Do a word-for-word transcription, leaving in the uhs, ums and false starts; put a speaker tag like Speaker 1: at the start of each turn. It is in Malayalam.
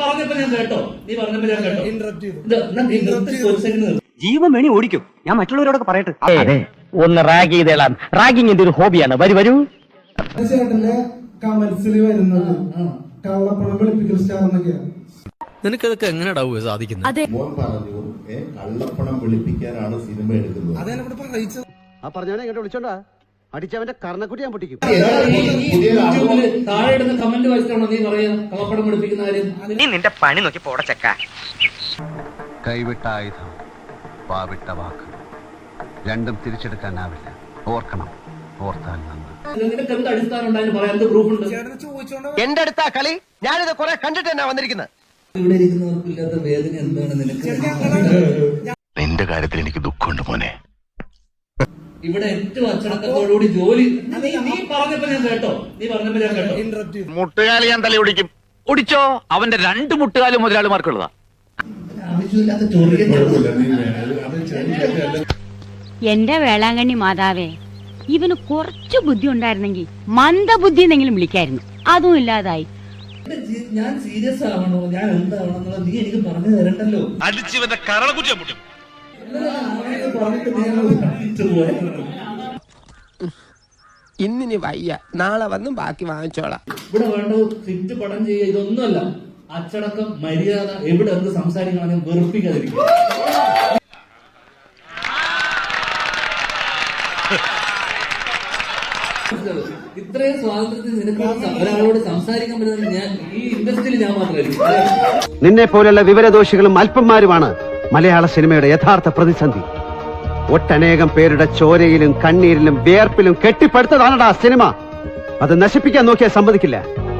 Speaker 1: പറഞ്ഞപ്പോ ഞാൻ കേട്ടോ നീ പറഞ്ഞപ്പോ ഞാൻ കേട്ടോ
Speaker 2: ജീവൻ വേണി ഓടിക്കും. ഞാൻ മറ്റുള്ളവരോടൊക്കെ പറയട്ടെ. അതെ, ഒന്ന് റാഗ് ചെയ്തേളാം. റാഗിങ് എന്റെ ഒരു ഹോബിയാണ്. വരൂ വരൂ.
Speaker 3: ചേട്ടന്റെ കമന്റ്സിൽ വരുന്നത് കള്ളപ്പണം വെളുപ്പിക്കൽ സ്റ്റാർ എന്നൊക്കെയാണ്.
Speaker 4: നിനക്കതൊക്കെ എങ്ങനെയാ സാധിക്കുന്നത്?
Speaker 5: മോൻ പറഞ്ഞു കള്ളപ്പണം വെളുപ്പിക്കാനാണ് സിനിമ എടുക്കുന്നത്.
Speaker 3: അതെ നമ്മുടെ പറയിച്ചത്.
Speaker 2: ആ പറഞ്ഞവനെ ഇങ്ങോട്ട് വിളിച്ചോണ്ടാ അടിച്ചവന്റെ കർണക്കുട്ടി ഞാൻ പൊട്ടിക്കും.
Speaker 1: താഴെ ഇടുന്ന കമന്റ് വായിച്ചിട്ടാണോ നീ പറയാ കള്ളപ്പണം വെളുപ്പിക്കുന്ന കാര്യം?
Speaker 2: നീ നിന്റെ പണി നോക്കി പോടച്ചക്ക.
Speaker 6: കൈവിട്ട ആയുധം, വാവിട്ട വാക്ക്, രണ്ടും തിരിച്ചെടുക്കാനാവില്ല. ഓർക്കണം, ഓർത്താൽ നന്ന്.
Speaker 1: നിനക്ക് എന്ത് അടിസ്ഥാനം ഉണ്ടായാലും പറയാൻ എന്ത് പ്രൂഫ് ഉണ്ട്?
Speaker 2: എന്റെ അടുത്താ കളി. ഞാനിത് കുറെ കണ്ടിട്ട് തന്നെ വന്നിരിക്കുന്നത്.
Speaker 1: ഇവിടെ ഇരിക്കുന്നവർക്കില്ലാത്ത വേദന എന്താണ് നിനക്ക്?
Speaker 6: നിന്റെ കാര്യത്തിൽ എനിക്ക് ദുഃഖമുണ്ട് മോനെ.
Speaker 1: ഇവിടെ ഏറ്റവും അച്ചടക്കത്തോടുകൂടി ജോലി നീ നീ പറഞ്ഞപ്പോ ഞാൻ കേട്ടോ നീ പറഞ്ഞപ്പോ ഞാൻ കേട്ടോ
Speaker 6: മുട്ടുകാലി ഞാൻ തല ഒടിക്കും. ഒടിച്ചോ? അവന്റെ രണ്ട് മുട്ടുകാലും മുതലാളിമാർക്കുള്ളതാ.
Speaker 1: ആവശ്യമില്ലാത്ത ചോദ്യം.
Speaker 7: എന്റെ വേളാങ്കണ്ണി മാതാവേ, ഇവന് കുറച്ചു ബുദ്ധി ഉണ്ടായിരുന്നെങ്കിൽ മന്ദബുദ്ധി എന്നെങ്കിലും വിളിക്കായിരുന്നു. അതും ഇല്ലാതായി.
Speaker 1: ഞാൻ സീരിയസ് ആവണോ ഞാൻ എന്താവണം എന്നുള്ളത് നീ എനിക്ക് പറഞ്ഞു തരണ്ടല്ലോ.
Speaker 6: അടിച്ചവന്റെ കരളക്കുറ്റി പൊട്ടും.
Speaker 8: ഇന്നിനി വയ്യ, നാളെ വന്നും ബാക്കി വാങ്ങിച്ചോളാം.
Speaker 1: ഇവിടെ വേണ്ടത് ഫിറ്റ് പടം ചെയ്യുക ഇതൊന്നുമല്ല. അച്ചടക്കം, മര്യാദ, എവിടെ എന്ത് സംസാരിക്കണം വെറുപ്പിക്കാതിരിക്കും. ഇത്രയും സ്വാതന്ത്ര്യത്തിൽ നിനക്ക് ഒരാളോട് സംസാരിക്കാൻ പറ്റുന്നത് ഞാൻ ഈ ഇൻഡസ്ട്രിയിൽ ഞാൻ മാത്രമായിരിക്കും.
Speaker 2: നിന്നെ പോലുള്ള വിവരദോഷികളും അല്പന്മാരുമാണ് മലയാള സിനിമയുടെ യഥാർത്ഥ പ്രതിസന്ധി. ഒട്ടനേകം പേരുടെ ചോരയിലും കണ്ണീരിലും വിയർപ്പിലും കെട്ടിപ്പടുത്തതാണടാ സിനിമ. അത് നശിപ്പിക്കാൻ നോക്കിയാൽ സമ്മതിക്കില്ല.